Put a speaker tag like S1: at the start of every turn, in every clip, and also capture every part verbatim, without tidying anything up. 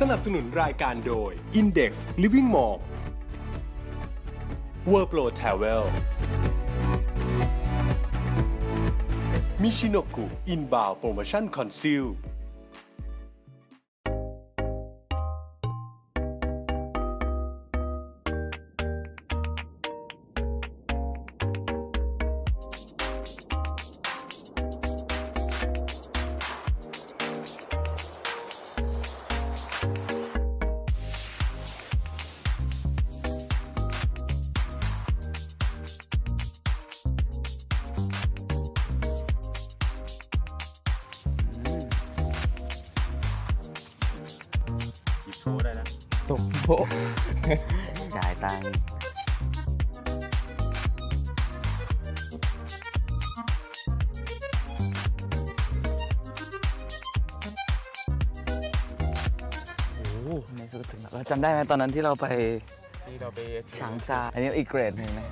S1: สนับสนุนรายการโดย Index Living Mall World Pro Travel มิชิโนกุ Inbound Promotion Conceal
S2: โชว์ได้แล้ว
S3: ตกโป๊ะ จ่ายตังค์โอ้ในสุดถึงแล้วเราจำได้ไหมตอนนั้นที่เราไป
S2: ที่เราไป
S3: ฉางซาอันนี้อีกเกรดหนึ่งนะ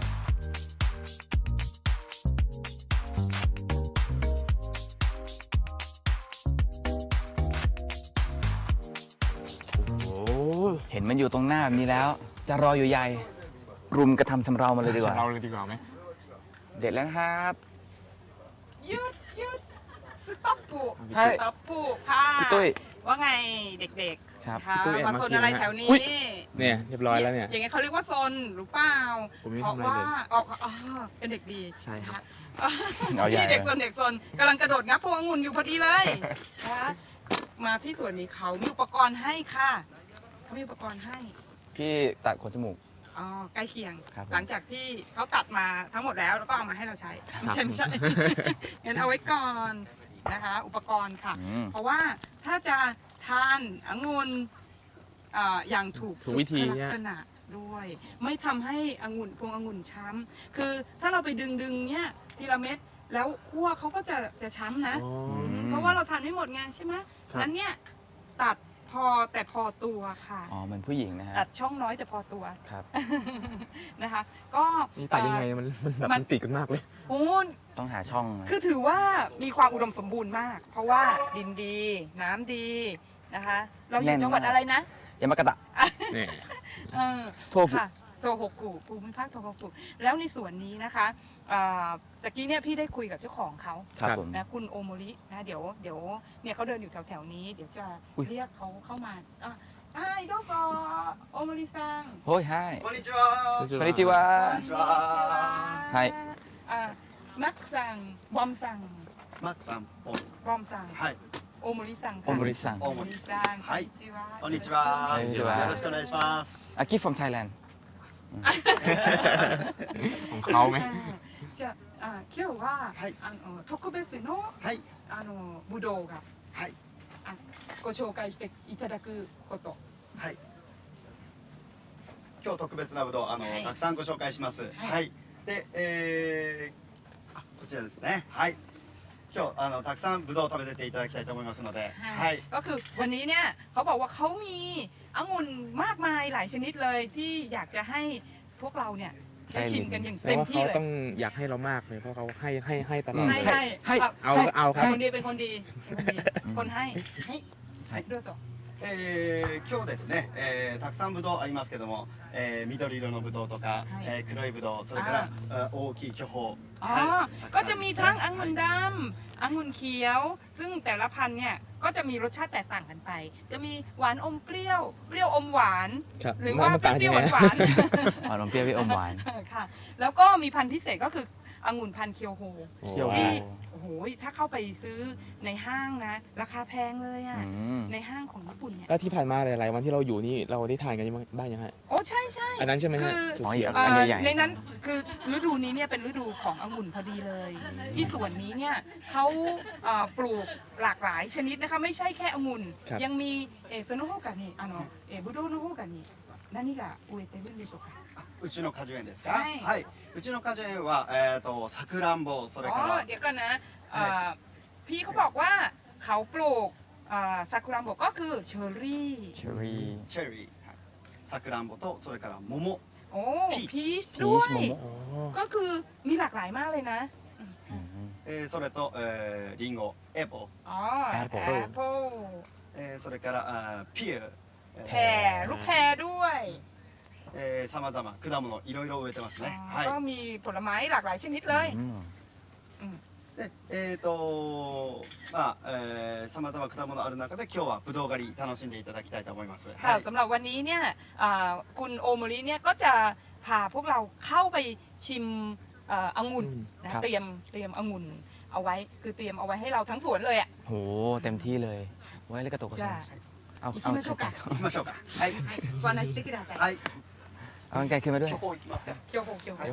S3: เห็นมันอยู่ตรงหน้าแบบนี้แล้ว จะรออยู่ใหญ่ รุมกระทำชำเรามาเลยดีกว่า
S2: เราเลยดีกว่าไหม
S3: เด็ดแล้วครับ
S4: หยุดหยุดสต็อปปู
S3: ให้
S4: สต็อปปูค่ะ
S3: พี่ตุ้ย
S4: ว่าไงเด็ก
S3: ครับ
S4: ๆค่ะ
S2: พี่ตุ้ยแอบ
S4: มา
S2: มา
S4: โซน
S2: กิน
S4: อะไร
S2: นะ
S4: แถวนี้
S3: อุ๊ย
S2: เนี่ยเรียบร้อยแล้วเนี่ย
S4: อย่างเงี้ยเขาเรียกว่าโซนหรือเปล่า
S2: ผมไม่
S4: เพราะ
S2: ทำอะไร
S4: ว่า
S2: เลย
S4: อ๋ออ๋อเป็นเด็กดี
S2: ใช่ครับ
S4: นะคะ
S3: เอาใหญ่
S4: นี่เด็กโซนเด็กโซนกำลังกระโดดงับพวงองุ่นอยู่พอดีเลยนะคะมาที่สวนนี้เขามีอุปกรณ์ให้ค่ะเขามีอุปกรณ์ให้
S3: พี่ตัดขนจมูก
S4: อ๋อใกล้เคียง
S3: ครับผม
S4: หลังจากที่เขาตัดมาทั้งหมดแล้วแล้วก็เอามาให้เราใช้
S3: ครับ
S4: ไม่ใช่ไม่ใช่ งั้นเอาไว้ก่อนนะคะ อุปกรณ์ค่ะ
S3: อืม
S4: เพราะว่าถ้าจะทานองุ่นอ่าอย่างถูก
S2: ถูกวิธี
S4: สุขลั
S2: เนี่
S4: ก
S2: ย
S4: ษณะด้วย ไม่ทำให้องุ่นพวงองุ่นช้ำคือถ้าเราไปดึงดึงๆเนี่ยทีละเม็ดแล้วคั่วเขาก็จะจะช้ำนะ
S2: อ๋อ
S4: เพราะว่าเราทานไม่หมดไงใช่ไหม
S2: ครับ
S4: นั้นเนี่ยตัดพอแต่พอตัวค่ะ
S3: อ๋อเหมือนผู้หญิงนะฮะ
S4: ตัดช่องน้อยแต่พอตัว
S3: ครับ
S4: นะคะ ก็
S2: นี่ตัดยังไงมันมันแบบ
S4: มั
S2: มัน นติดกันมากเลย
S4: โอ้
S3: ต้องหาช่องนะ
S4: คือถือว่ามีความอุดมสมบูรณ์มาก เพราะว่าดินดี น้ำดีนะคะ เราอยู่จังหวัดอะไรนะ
S3: ยามากะตะ
S2: เนี่ย
S4: เออ
S3: โทฟุ
S4: ค่ะโทโฮกุภูมิภาคโทโฮกุแล้วในส่วนนี้นะคะอ่าตะกี้เนี่ยพี่ได้คุยกับเจ้าของเขา
S3: ครับผม
S4: นะคุณโอโมรินะเดี๋ยวเดี๋ยวเนี่ยเขาเดินอยู่แถวแถวๆนี้ เดี๋ยวจะ
S3: อุ๊ย
S4: เรียกเขาเข้ามาอ่ะไอ้どうぞโอโมริซัง
S3: โฮ้ยไฮ
S5: こんにちは。
S3: こんにちは
S4: こんにちは
S3: はい
S4: อ่ะมักซังบอมซัง
S5: マックさん、ポンさん。
S4: บอมซัง
S5: はい。
S4: โอโมริซัง
S3: โอโมริซัง
S4: โอโมริซัง
S5: はい
S4: こんにちは
S5: こんにちは。
S3: こんにちは
S5: よろしくお願いします。
S3: อากิ from Thailand
S2: ของเขาไหม
S4: じゃああ今日は、
S5: はい
S4: あの特別の
S5: はい。
S4: あのブドウが
S5: はい。
S4: あご紹介していただくこと。
S5: はい。今日特別なぶどう、あの、
S4: はい
S5: たくさんご紹介します。はい。で、えー、あ、こちらですね。はい。今日、あの、たくさんぶどうを食べていただきたいと思いますので。はい。
S4: ก็คือวันนี้เนี่ยเขาบอกว่าเขามีองุ่นมากมายหลายชนิดเลยที่อยากจะให้พวกเราเนี่ยได้ชิมกันอย่าง
S2: แสด
S4: เต็
S2: ง
S4: ม
S2: ว่า
S4: ที่
S2: เขา
S4: เลย
S2: ต้องอยากให้เรามากเลยเพราะเขาให้ให้ให้ตลอด
S3: ม
S4: ให้
S2: เลย
S4: ให้
S3: ให้
S2: เอาเอาครับ
S4: คนดีเป็นคนดีคนดีคนให้ให้
S3: はい
S4: どうぞ
S5: えー、今日ですね、えー、たくさんぶどうありますけども、えー、緑色のぶどうとか、
S4: はい
S5: えー、黒いぶどう、それからあ大きい巨峰、
S4: อ๋อ
S5: はい、
S4: ก็จะมีทั้งอ
S5: たく
S4: งุ่น
S5: さ
S4: ดำองุ่นเขียว ซึ่งแต่ละพันธุ์เนี่ยก็จะมีรสชาติแตกต่างกันไป จะมีหวานอมเปรี้ยว เปรี้ยวอมหวาน
S2: ครับ
S4: หรือ
S2: มัน
S4: ว่า
S2: มัน
S4: เป
S2: ต่างยั
S4: รี้ยว
S2: งไง
S4: หวานๆ
S3: อ๋อนมเปรี้ยวพี่อมหวาน
S4: ค่ะ แล้วก็มีพันธุ์พิเศษก็คือองุ่นพันธุ์เคียวโฮ
S2: โอ้
S3: เคียวโฮ
S4: ที่โอ้โหถ้าเข้าไปซื้อในห้างนะ ราคาแพงเลยอะ
S3: อืม
S4: ในห้างของญี่ปุ่นเนี่ย
S2: แล้วที่ผ่านมาหลายๆวันที่เราอยู่นี่เราได้ทานกันบ้างยังไง
S4: โอ้ใช่ใช่
S2: อันนั้นใช่ไหมฮะ
S4: คือ
S2: เขียว
S3: อ๋
S4: เอ่
S3: อัน
S4: อ
S3: ใหญ่ๆ
S4: ในนั้นคือฤดูนี้เนี่ยเป็นฤดูขององุ่นพอดีเลย ที่สวนนี้เนี่ยเขาเอ่อปลูกหลากหลายชนิดนะคะไม่ใช่แค่องุ่น
S2: ครับ
S4: ยังมีเออโซโนโฮกานิあのเออบุโดโนโฮกานิ何が植えてるんでしょうか
S5: うちの果樹園ですか。
S4: はい
S5: はい。うちの果樹園は、えっ、と、さくらんぼ、それ
S4: อ๋
S5: か
S4: อ
S5: ら。
S4: เดี๋ยวกันนะเอ่อพี่เขาบอกว่าเขาปลูกซากุระโมก็คือเชอร์รี่
S3: เชอรี่
S5: チェリー、はい、さくらんぼとそれから桃、
S4: โอ้
S5: พีช
S4: พีช
S3: พี
S4: ด้ว
S3: ช
S4: ย
S3: โมโม
S2: อ๋อ
S4: ก็คือมีหลากหลายมากเลยนะ
S3: อืม
S5: えー、それと、えー、リンゴ、エボ、
S4: อ๋อ
S3: Apple
S4: แอปเปิล
S5: えー、それからあーピエー、
S4: แพรลูกแพรด้วย
S5: えー、さまざま果物いろいろ植えてますね。
S4: อ๋อก็
S5: はい。
S4: มีผลไม้หลากหลายชนิดเลย
S3: อืม
S5: で、えっ、とまあ、えー、さまざま果物ある中で今日はぶどう狩り楽しんでいただきたいと思います。
S4: ค่ะ
S5: はい。
S4: สำหรับวันนี้เนี่ยอ่าคุณโอโมริเนี่ยก็จะพาพวกเราเข้าไปชิมเอ่อองุ่นนะครับ เตรียมเตรียมองุ่นเอาไว้คือเตรียมเอาไว้ให้เราทั้งสวนเลยอ่ะ
S3: โหเต็มที่เลยไว้เลยกระตุกกระ
S4: じ
S3: ตุ
S4: ゃ
S3: ก
S4: あ
S3: เอา
S4: 行き
S3: เอา
S4: ましょうか
S5: 行きましょうか。はい。
S4: ご案内してください
S5: はい。
S3: เอากางไกลขึ้นมาด้วย
S5: 処方行きますか。
S4: เคียวโฮเคียวโฮ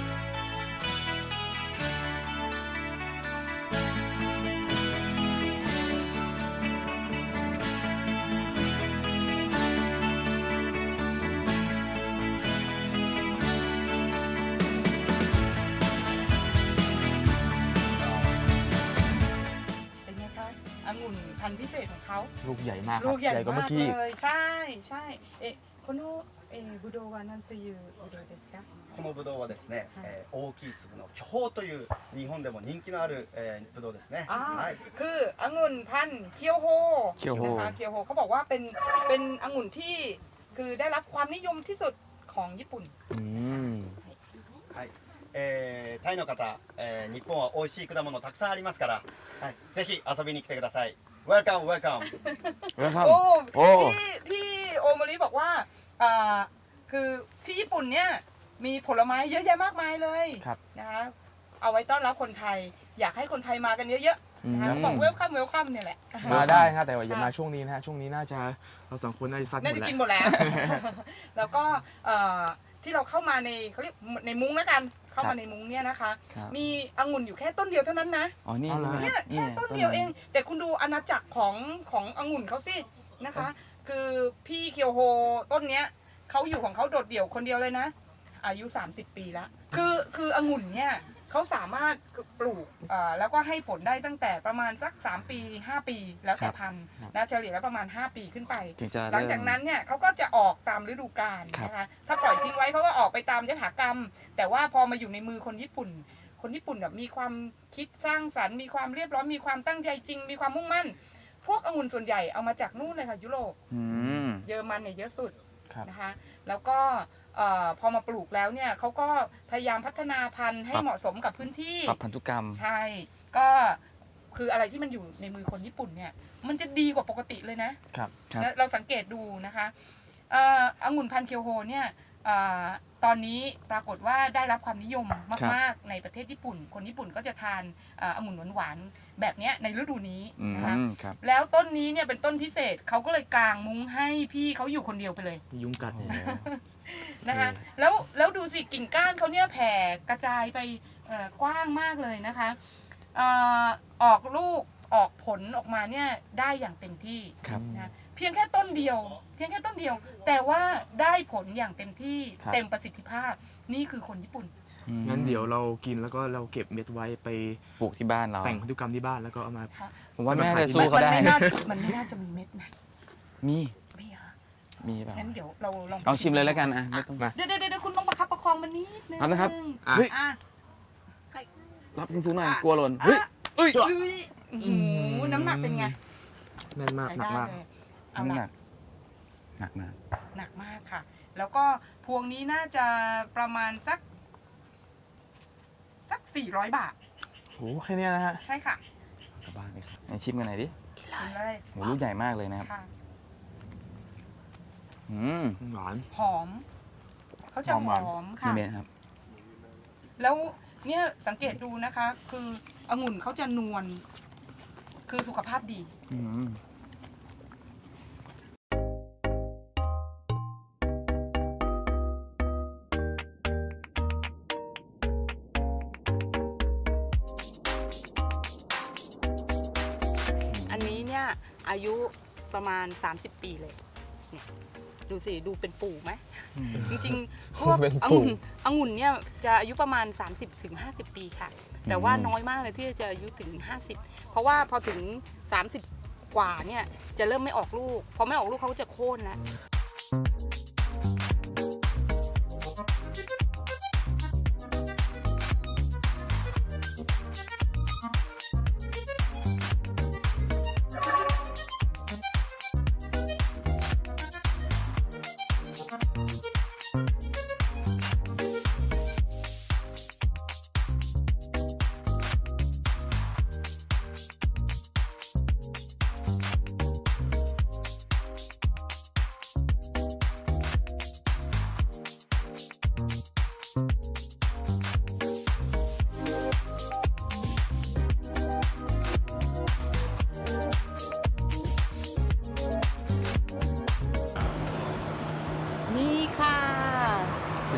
S4: เป็นไงคะองุ่นพันธุ์พิเศษของเขา
S2: ลูกใหญ่มากค
S4: ลู
S2: รับ
S4: กใหญ่
S2: กว่าเมื่
S4: มา
S2: อก กี้
S4: เลยใช่ใช่เอ๊ะこのえーぶどうは何というぶどうですか
S5: このぶどうはですね、
S4: はい
S5: えー大きい粒の巨峰という日本でも人気のある、えー、ぶどうですね。
S4: อ่า
S5: はい。
S4: คือองุ่นพันธุ์เคียวโฮ
S3: เคียวโฮ
S4: นะคะเคียวโฮเขาบอกว่าเป็นเป็นองุ่นที่คือได้รับความนิยมที่สุดของญี่ปุ่น
S3: อืม
S5: はい。えー、タイの方、えー、日本は美味しい果物たくさんありますから、はい、ぜひ遊びに来てください。Welcome, welcome.
S3: เวลคัม
S4: โอ้
S3: โอ้
S4: พี่พี่โอโมริบอกว่าอ่าคือที่ญี่ปุ่นเนี่ยมีผลไม้เยอะแยะมากมายเลย
S2: ครับ
S4: นะคะเอาไว้ต้อนรับคนไทย อยากให้คนไทยมากันเยอะๆนะคะ
S3: อืม
S4: บอกเวลคัมเวลคัมเนี่ยแหละ
S2: มาได้ครับแต่ว่าอย่ามาช่วงนี้นะฮะช่วงนี้น่าจะเราสองคนน่าจะซัดหม
S4: น่า
S2: ด
S4: จะ
S2: แล้ว
S4: กินหมดแล้ว แล้วก็เอ่อที่เราเข้ามาในเขาเรียกในมุ้งแล้วกันเข้ามาในมุ้งเนี่ยนะคะ
S3: ครับ
S4: มีองุ่นอยู่แค่ต้นเดียวเท่านั้นนะ
S3: อ๋อนี่
S2: เอาเหรอ
S3: ใช่ไหม
S4: เนี่ยแค่ต้นเดียวเอง แต่คุณดูอาณาจักรของขององุ่นเขาสินะคะ คือพี่เคียวโฮต้นเนี้ยเขาอยู่ของเขาโดดเดี่ยวคนเดียวเลยนะ อายุ สามสิบ ปีแล้ว คือคือองุ่นเนี่ยเขาสามารถปลูกอ่าแล้วก็ให้ผลได้ตั้งแต่ประมาณสัก สาม ปี ห้า ปี แล้วแต่พันธุ์นะเฉลี่ยแล้วประมาณ ห้า ปีขึ้นไป
S3: ถึงจะ
S4: หลังจากนั้นเนี่ยเขาก็จะออกตามฤดูกาล
S3: ครับ
S4: นะคะ ถ้าปล่อยทิ้งไว้เขาก็ออกไปตามยถากรรม แต่ว่าพอมาอยู่ในมือคนญี่ปุ่น คนญี่ปุ่นแบบมีความคิดสร้างสรรค์ มีความเรียบร้อย มีความตั้งใจจริง มีความมุ่งมั่น พวกองุ่นส่วนใหญ่เอามาจากนู่นเลยค่ะยุโรป
S3: อืม
S4: เยอรมันเนี่ยเยอะสุด
S2: ครับ
S4: นะคะ แล้วก็เอ่อพอมาปลูกแล้วเนี่ยเขาก็พยายามพัฒนาพันธุ์ให้เหมาะสมกับพื้นที่
S3: ปรับพันธุกรรม
S4: ใช่ ก็คืออะไรที่มันอยู่ในมือคนญี่ปุ่นเนี่ย มันจะดีกว่าปกติเลยนะครับ
S3: ครับ
S4: นะเราสังเกตดูนะคะเอ่อองุ่นพันธุ์เคียวโฮเนี่ยเอ่อตอนนี้ปรากฏว่าได้รับความนิยมมากๆในประเทศญี่ปุ่น คนญี่ปุ่นก็จะทานเอ่อองุ่นหวานๆแบบเนี้ยในฤดูนี้
S3: อื
S4: นะคะ
S3: มครับ
S4: แล้วต้นนี้เนี่ยเป็นต้นพิเศษเขาก็เลยกางมุ้งให้พี่เขาอยู่คนเดียวไปเลย
S2: มียุงกัดเนี่ย
S4: นะคะ
S2: เออ
S4: แล้วแล้วดูสิกิ่งก้านเขาเนี่ยแผ่กระจายไปเอ่อกว้างมากเลยนะคะเอ่อออกลูกออกผลออกมาเนี่ยได้อย่างเต็มที่
S3: ครับ
S4: นะเพียงแค่ต้นเดียว เพียงแค่ต้นเดียว แต่ว่าได้ผลอย่างเต็มที่
S2: ครับ
S4: เต็มประสิทธิภาพนี่คือคนญี่ปุ่น
S3: อืม
S2: งั้นเดี๋ยวเรากินแล้วก็เราเก็บเม็ดไว้ไป
S3: ปลูกที่บ้านเรา
S2: แต่งพันธุกรรมที่บ้านแล้วก็เอามา
S3: ผมว่าแม่
S2: เอามา
S3: จะ
S2: ขายที่
S3: สู้เขา
S4: มัน
S3: ได้
S4: ไม่น่ามันไม่น่าจะมีเม็ดนะ
S3: มี
S4: ไม่เหรอ
S3: มีเปล่า
S4: งั้นเดี๋ยวเราลอง
S3: ลองชิมเลยแล้วกันอ่ะไม่ต้อง
S2: มา
S4: เดี๋ยวเดี๋ยวเดี๋ยวคุณต้องประคับประคองมันนิดนึง
S3: เอานะครับ
S2: อ่ะ
S3: เฮ้ย
S4: อ่ะ
S3: รับสูงๆหน่อย
S4: อ่ะ
S3: กลัวหล่น
S4: เฮ้
S3: เฮ้
S4: ย
S3: ย
S4: เฮ้ยโอ้โหน้ำหนักเป็นไง
S2: แน่นมาก
S4: ใช้
S2: หนัก
S4: ได้
S2: มาก
S4: เลยเอา
S3: น้ำหนั
S4: ละ
S3: กหนักมาก
S4: หนักมากค่ะ แล้วก็พวงนี้น่าจะประมาณสัก สักสี่ร้อยบาท
S2: โหแค่เนี้ยนะฮะ
S4: ใช่ค่ะ
S3: กลับบ้านเลยครับไหนชิมกันหน่อยดิ
S4: กินเลย
S3: โหลูกใหญ่มากเลยนะครับ
S4: ค่ะ
S3: อืม
S2: หวาน
S4: หอม เขาจะ
S2: หอม
S4: ห
S2: หวาน
S4: อม
S3: นี่
S4: ค่ะ
S3: เมครับ
S4: แล้วเนี่ยสังเกตดูนะคะ คือองุ่นเขาจะนวล คือสุขภาพดี
S3: อืม
S4: อันนี้เนี่ยอายุประมาณ สามสิบ ปีเลยเนี่ยดูสิ ดูเป็นปู่ไหม จริงๆ พวก
S2: เป็น
S4: อ
S2: ปู่
S4: งุ่นองุ่นเนี่ยจะอายุประมาณ สามสิบถึงห้าสิบ ปีค่ะ แต่ว่าน้อยมากเลยที่จะอายุถึง ห้าสิบ เพราะว่าพอถึง สามสิบ กว่าเนี่ยจะเริ่มไม่ออกลูก พอไม่ออกลูกเขาก็จะโค่นแล้ว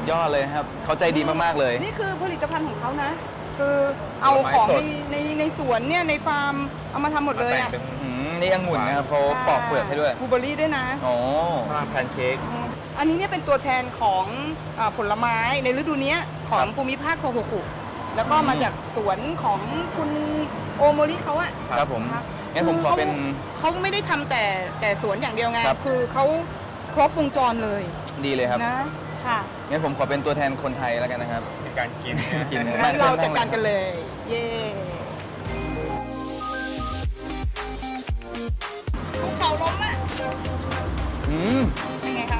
S3: ยอดเลยครับเขาใจดีมากๆเลย
S4: นี่คือผลิตภัณฑ์ของเขานะ คือเอาของในในในสวนเนี่ยในฟาร์มเอามาทำหมดเลยอ่ะ
S2: มาแต่งเป็น
S3: อืมนี่องุ่นนะครับเขาปอกเปลือกให้ด้วย
S4: บลูเบอร์รี่ด้วยนะ
S3: โอ้
S2: ข้าวแพนเค้ก
S4: อันนี้เนี่ยเป็นตัวแทนของอ่าผลไม้ในฤดูเนี้ยของภูมิภาคโทโฮกุแล้วก็มาจากสวนของคุณโอโมริเขาอะ
S3: ครับผม
S4: นะคะ
S3: งั้นผมขอเป็น
S4: เขาไม่ได้ทำแต่แต่สวนอย่างเดียวไง
S3: ครับ
S4: คือเขาครบวงจรเลย
S3: ดีเลยครับ
S4: นะค่ะ
S3: งั้นผมขอเป็นตัวแทนคนไทยแล้วกันนะครับ
S2: ในการกินนะ
S3: กิน
S4: งั้นเราจัดการกันเลย เย่ภูเขาล้มอะ
S3: อืม
S4: เป็นไงคะ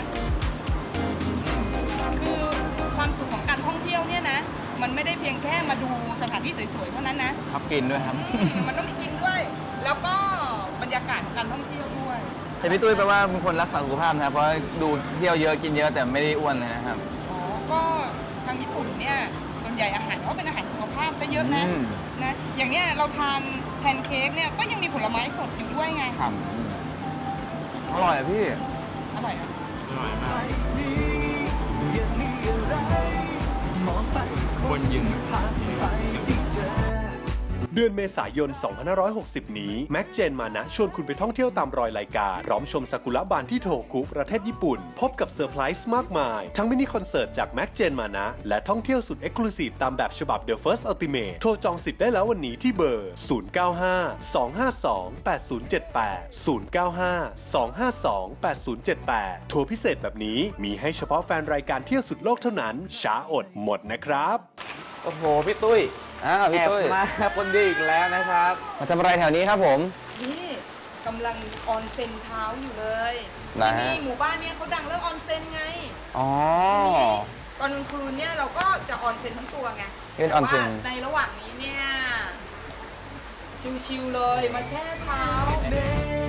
S4: คือความสุขของการท่องเที่ยวเนี่ยนะ มันไม่ได้เพียงแค่มาดูสถานที่สวยๆเท่านั้นนะ
S3: ครับกินด้วยครับ
S4: อืมมันต้องมีกินด้วย แล้วก็บรรยากาศของการท่องเที่ยวด้วย
S3: แต่พี่ตุ้ยแปลว่าเป็นคนรักษาสุขภาพนะครับ เพราะดูเที่ยวเยอะกินเยอะแต่ไม่ได้อ้วนนะครับ
S4: อ๋อ ก็ทางญี่ปุ่นเนี่ยส่วนใหญ่อาหารเขาเป็นอาหารสุขภาพซะเยอะนะ
S3: อืม
S4: นะ อย่างเนี้ยเราทานแพนเค้กเนี่ยก็ยังมีผลไม้สดอยู่ด้วยไง
S3: ครับอร่อยอะพี่
S4: อร่อยอ่ะ
S2: อร่อยมากบนยิง
S1: เดือนเมษายน สองพันห้าร้อยหกสิบ นี้ แม็กเจนมานะชวนคุณไปท่องเที่ยวตามรอยรายการพร้อมชมซากุระบานที่โทคุประเทศญี่ปุ่น พบกับเซอร์ไพรส์มากมาย ทั้งมินิคอนเสิร์ตจากแม็กเจนมานะและท่องเที่ยวสุดเอ็กซ์คลูซีฟตามแบบฉบับ The First Ultimate โทรจองสิทธิ์ได้แล้ววันนี้ที่เบอร์ ศูนย์ เก้า ห้า สอง ห้า สอง แปด ศูนย์ เจ็ด แปด ศูนย์ เก้า ห้า สอง ห้า สอง แปด ศูนย์ เจ็ด แปด ทัวร์พิเศษแบบนี้มีให้เฉพาะแฟนรายการเที่ยวสุดโลกเท่านั้นช้าอดหมดนะครับ
S2: โอ้โห พี่ตุ้ย
S3: อ้าวพี่
S2: แอบ
S3: ตุ้ย
S2: มาคนดีอีกแล้วนะครับ
S3: มาทำอะไรแถวนี้ครับผม
S4: นี่กำลังออนเซ็นเท้าอยู่เลย
S3: นะฮะ
S4: ที่นี่หมู่บ้านเนี่ยเขาดังเรื่องออนเซ็นไง
S3: อ๋อ
S4: นี่ตอนกลางคืนเนี่ยเราก็จะออนเซ็นทั้งตัวไง
S3: เป็นออนเซ็น
S4: แต่ว่าในระหว่างนี้เนี่ยชิวๆเลยมาแช่เท้า